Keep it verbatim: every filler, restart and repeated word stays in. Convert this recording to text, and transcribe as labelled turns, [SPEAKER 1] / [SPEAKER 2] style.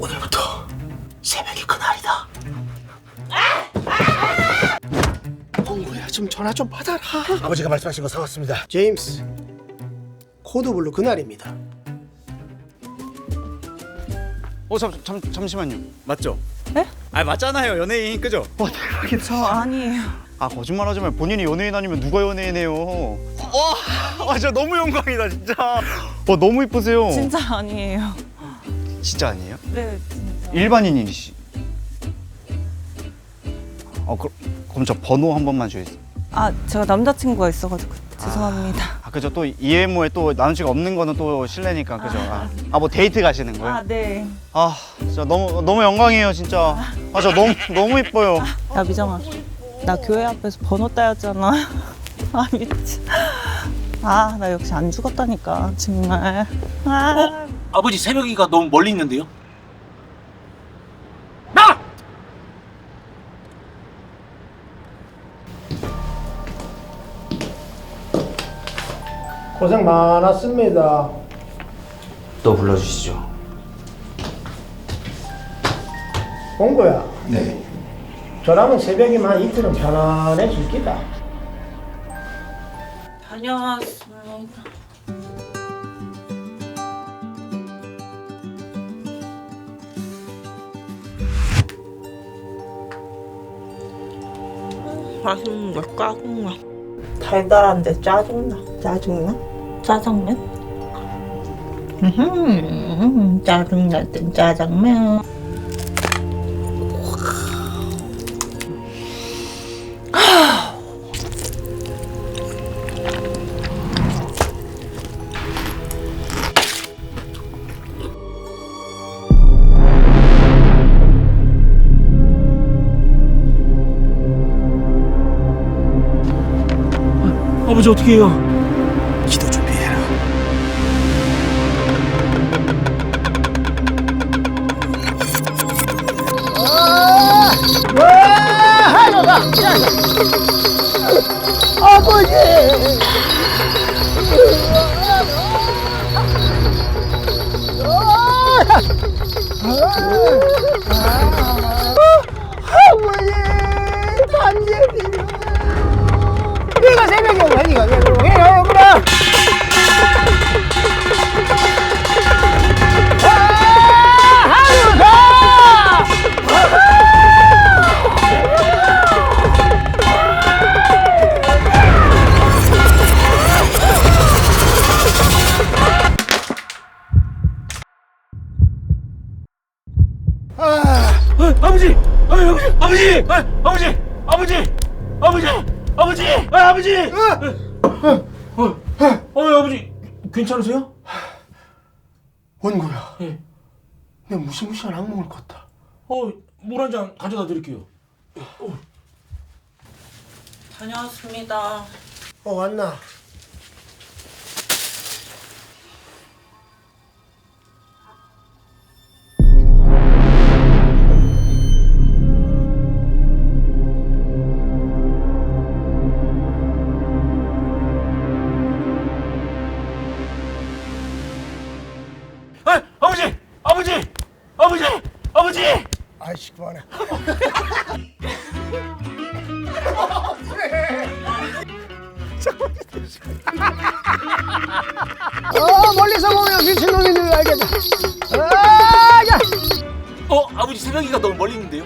[SPEAKER 1] 오늘부터 새벽이 그날이다. 홍구야, 좀 전화 좀 받아라.
[SPEAKER 2] 아버지가 말씀하신 거 사왔습니다.
[SPEAKER 1] 제임스, 코드블루 그날입니다.
[SPEAKER 3] 어, 잠, 잠, 잠시만요. 맞죠?
[SPEAKER 4] 네?
[SPEAKER 3] 아, 맞잖아요. 연예인, 그죠?
[SPEAKER 4] 어, 대박이다. 저 아니에요.
[SPEAKER 3] 아, 거짓말하지 말고 본인이 연예인 아니면 누가 연예인이에요? 와, 아, 진짜 너무 영광이다, 진짜. 와, 너무 이쁘세요.
[SPEAKER 4] 진짜 아니에요.
[SPEAKER 3] 진짜 아니에요?
[SPEAKER 4] 네, 진짜.
[SPEAKER 3] 일반인이시. 어, 그, 그럼 저 번호 한 번만 주세요.
[SPEAKER 4] 아, 제가 남자친구가 있어가지고 죄송합니다.
[SPEAKER 3] 아, 그죠? 또 이에모에 또 남자친구 없는 거는 또 실례니까, 그죠? 아, 아, 뭐 데이트 가시는 거예요?
[SPEAKER 4] 아, 네.
[SPEAKER 3] 아, 진짜 너무 너무 영광이에요, 진짜. 아, 저 너무 너무 이뻐요.
[SPEAKER 4] 야, 미정아. 나 교회 앞에서 번호 따였잖아. 아, 미치. 아, 나 역시 안 죽었다니까, 정말. 아.
[SPEAKER 5] 아버지 새벽이가 너무 멀리 있는데요? 나!
[SPEAKER 1] 고생 많았습니다.
[SPEAKER 5] 또 불러주시죠.
[SPEAKER 1] 홍구야,
[SPEAKER 5] 네.
[SPEAKER 1] 저라면 새벽이면 한 이틀은 편안해질 기다.
[SPEAKER 4] 다녀왔습니다. 맛있는 거 짜증나. 달달한데 짜증나. 짜증나? 짜장면? 음, 짜증날 땐 짜장면.
[SPEAKER 5] 아버지 어떻게 해요?
[SPEAKER 1] 기도 준비해라.
[SPEAKER 2] 내가 새벽에 오니까 왜 그러게요, 그럼?
[SPEAKER 5] 아, 아버지! 아, 아버지! 아버지! 아, 아버지! 아버지! 아버지! 아버지! 아, 아버지! 어, 어, 어, 아버지 괜찮으세요?
[SPEAKER 1] 원구야,
[SPEAKER 5] 예.
[SPEAKER 1] 내 무시무시한 악몽을 꿨다.
[SPEAKER 5] 어, 물 한 잔 가져다 드릴게요. 어.
[SPEAKER 4] 다녀왔습니다.
[SPEAKER 1] 어, 왔나?
[SPEAKER 5] 아, 아버지! 아버지! 아버지! 아버지!
[SPEAKER 2] 아이씨, 그만해. 어, 멀리서 보면 미친놈인 줄 알겠다. 아, 야!
[SPEAKER 5] 어, 아버지 새벽이가 너무 멀리 있는데요?